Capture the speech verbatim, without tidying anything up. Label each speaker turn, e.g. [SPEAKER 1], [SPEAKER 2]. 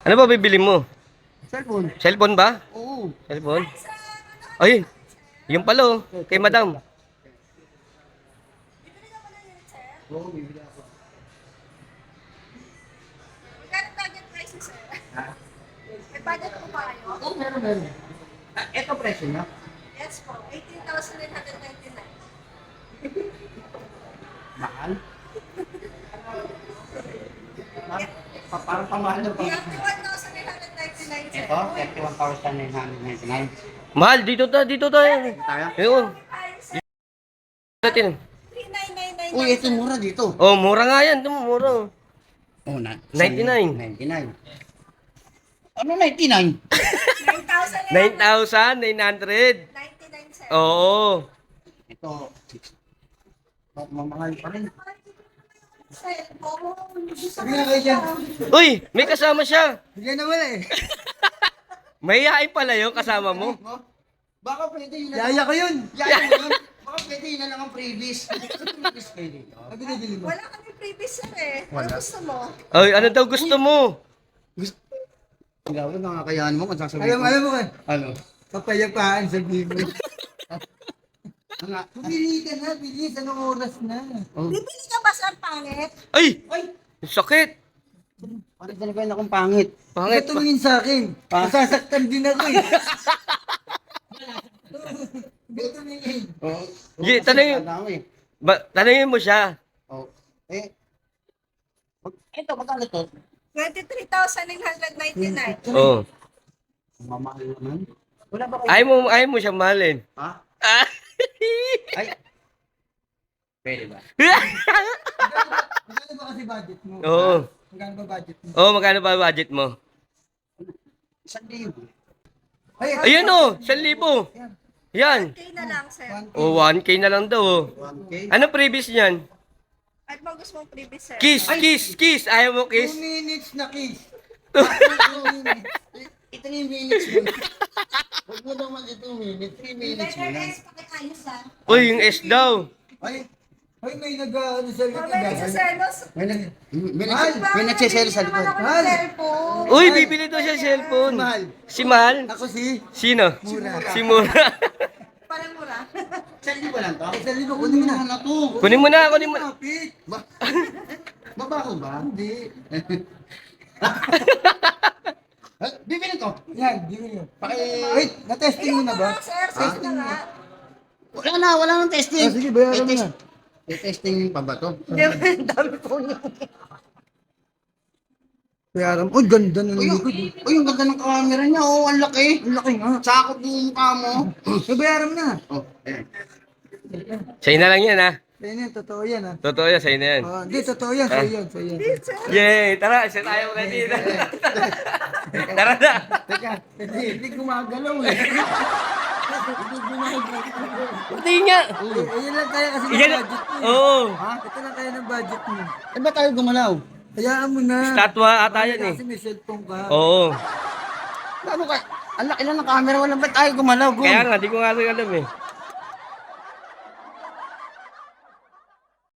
[SPEAKER 1] Ano ba bibili mo?
[SPEAKER 2] Cellphone.
[SPEAKER 1] Cellphone ba?
[SPEAKER 2] Oo.
[SPEAKER 1] Cellphone? Ay, yung pala oh, kay madam.
[SPEAKER 2] Oo, bibili ako.
[SPEAKER 3] Magkano target price mo, sir?
[SPEAKER 2] Ha?
[SPEAKER 3] May budget po ba kayo?
[SPEAKER 2] Oo, meron, meron. Ah, ito presyo niya.
[SPEAKER 3] Yes po, eighteen thousand nine hundred ninety-nine.
[SPEAKER 2] Mahal. Pa parang pamahal na pa.
[SPEAKER 3] thirty-one thousand nine hundred ninety-nine, sir.
[SPEAKER 2] Ito, thirty-one thousand nine hundred ninety-nine.
[SPEAKER 1] Mahal, dito ta, dito tayo.
[SPEAKER 2] Tayo?
[SPEAKER 1] Ayun.
[SPEAKER 3] Ay, sir,
[SPEAKER 1] Natin.
[SPEAKER 3] three nine nine nine.
[SPEAKER 2] Uy, ito mura dito.
[SPEAKER 1] Oh, mura nga yan, ito mura.
[SPEAKER 2] Oh, na.
[SPEAKER 1] ninety-nine.
[SPEAKER 2] ninety-nine. Ano ninety-nine?
[SPEAKER 3] nine thousand
[SPEAKER 1] nine thousand nine hundred.
[SPEAKER 3] ninety-nine, sir.
[SPEAKER 1] Oo.
[SPEAKER 2] Ito, six. Ma- Mamahal pa rin.
[SPEAKER 3] Cellphone.
[SPEAKER 2] Sabi nga kayo dyan.
[SPEAKER 1] Uy, may kasama siya.
[SPEAKER 2] Bigyan na wala eh.
[SPEAKER 1] May yain pala yung kasama mo.
[SPEAKER 2] Baka pwede yun na. Yaya ko yun. Yaya ko yun. Baka pwede yun na lang ang previous. Previous kayo dito. Sabi na dili mo.
[SPEAKER 3] Wala kami previous, sir, eh. Ano
[SPEAKER 2] Wala.
[SPEAKER 3] gusto mo?
[SPEAKER 1] Ay, ano daw gusto mo?
[SPEAKER 2] Ikaw, nakakayaan mo kung sasabihin
[SPEAKER 4] Alam,
[SPEAKER 2] ko.
[SPEAKER 4] alam mo ka,
[SPEAKER 2] Ano?
[SPEAKER 4] kapayapaan sa bibig.
[SPEAKER 2] Ano nga?
[SPEAKER 4] Pili ka na, bilis, anong oras na?
[SPEAKER 2] Oh.
[SPEAKER 3] Bibili ka ba, sir, pangit?
[SPEAKER 1] Ay,
[SPEAKER 2] Ay!
[SPEAKER 1] sakit.
[SPEAKER 2] Parang talaga akong pangit.
[SPEAKER 4] Bakit
[SPEAKER 1] Pangit pa.
[SPEAKER 4] tumingin sa akin?
[SPEAKER 2] Pa-
[SPEAKER 4] Masasaktan din ako eh. Bakit tumingin?
[SPEAKER 2] Oo.
[SPEAKER 1] Gi, tanongin- Ba, tanungin mo siya.
[SPEAKER 2] Oh. Eh. Mag- Ito, magkano to?
[SPEAKER 3] twenty-three thousand nine hundred ninety-nine.
[SPEAKER 1] Oh.
[SPEAKER 2] Mamahal naman. Wala ba kayo?
[SPEAKER 1] Ayaw mo, ayaw mo siya mahalin.
[SPEAKER 2] Ha?
[SPEAKER 1] Ah.
[SPEAKER 2] Ay. Pwede ba?
[SPEAKER 4] Magkano ba kasi budget mo?
[SPEAKER 1] Oo.
[SPEAKER 4] Magkano ba budget mo?
[SPEAKER 1] Oh, magkano ba budget mo?
[SPEAKER 2] Isang libo.
[SPEAKER 4] Ay,
[SPEAKER 1] Ayun oh, one libo. Yan.
[SPEAKER 3] Okay na lang, sir.
[SPEAKER 1] Oh, one K na lang daw oh.
[SPEAKER 2] one K.
[SPEAKER 1] Ano previous niyan?
[SPEAKER 3] At mo gusto mong previous, sir?
[SPEAKER 1] Kiss, kiss, kiss. Ayaw mo
[SPEAKER 4] two
[SPEAKER 1] kiss?
[SPEAKER 4] minutes na kiss.
[SPEAKER 2] Ito na yung minutes mo. Huwag mo naman ito minutes. three minutes mo lang.
[SPEAKER 3] Guys, pakikayos, ah.
[SPEAKER 1] Uy, yung S daw.
[SPEAKER 4] Ay, ay may nag-ano sa likod.
[SPEAKER 3] Mamaya sa selos.
[SPEAKER 2] May nag... May
[SPEAKER 4] Mahal.
[SPEAKER 2] nag... May nagsisell sa likod.
[SPEAKER 4] Mahal.
[SPEAKER 3] Cellphone.
[SPEAKER 1] Uy, bibili daw siya cellphone.
[SPEAKER 4] Mahal.
[SPEAKER 1] Si Mahal?
[SPEAKER 4] Ako si
[SPEAKER 1] Sino?
[SPEAKER 4] Mura.
[SPEAKER 1] Si Mura.
[SPEAKER 3] Parang mura.
[SPEAKER 2] Isang libo lang to?
[SPEAKER 4] Isang libo, kunin mo na.
[SPEAKER 2] Ano to?
[SPEAKER 1] Kunin mo na, kunin mo.
[SPEAKER 4] Kapit.
[SPEAKER 2] Ba? Babaho ba?
[SPEAKER 4] Hindi.
[SPEAKER 2] Ah, bibili ko.
[SPEAKER 4] Yan, di mo yun.
[SPEAKER 2] Paki...
[SPEAKER 4] Wait, na-testing mo na ba?
[SPEAKER 3] Sir, sir, na nga.
[SPEAKER 2] Wala na, wala nang testing.
[SPEAKER 4] Ah, sige, bayaran mo
[SPEAKER 2] May
[SPEAKER 4] na.
[SPEAKER 2] May testing pa ba to?
[SPEAKER 3] Hindi, ang dami po niyo.
[SPEAKER 4] Bayaran mo. Uy, ganda ng
[SPEAKER 2] Uy, yung,
[SPEAKER 4] likod.
[SPEAKER 2] uy, yung ganda ng camera niya. Oh, ang laki.
[SPEAKER 4] Ang laki nga.
[SPEAKER 2] Sakop yung mukha mo.
[SPEAKER 4] May bayaran mo na.
[SPEAKER 2] Oh, eh.
[SPEAKER 1] Sa'yo na lang yan ha.
[SPEAKER 4] Sa'yo na yan, totoo yan ha.
[SPEAKER 1] Totoo yan, sa'yo na yan.
[SPEAKER 4] Oh, hindi, totoo yan, sa'yo yan, sa'yo yan.
[SPEAKER 1] Yay! Tara, isa tayo ulit dito. Tara na.
[SPEAKER 4] Teka, hindi, hindi gumagalaw eh. Hindi gumagalaw.
[SPEAKER 1] Pati nga.
[SPEAKER 4] Eh, Ayun lang kaya kasi ng
[SPEAKER 1] Yan.
[SPEAKER 4] budget mo. eh.
[SPEAKER 1] Oo.
[SPEAKER 4] Ha? Ito lang kaya ng budget mo.
[SPEAKER 2] Eh, ba tayo gumalaw?
[SPEAKER 4] Hayaan mo na.
[SPEAKER 1] Statwa ata yan eh.
[SPEAKER 4] Kasi may cellphone ka.
[SPEAKER 1] Oo.
[SPEAKER 2] Ano ka? Ang laki lang ng camera. Wala ba tayo gumalaw? Gum?
[SPEAKER 1] Kaya nga, di ko nga rin alam eh.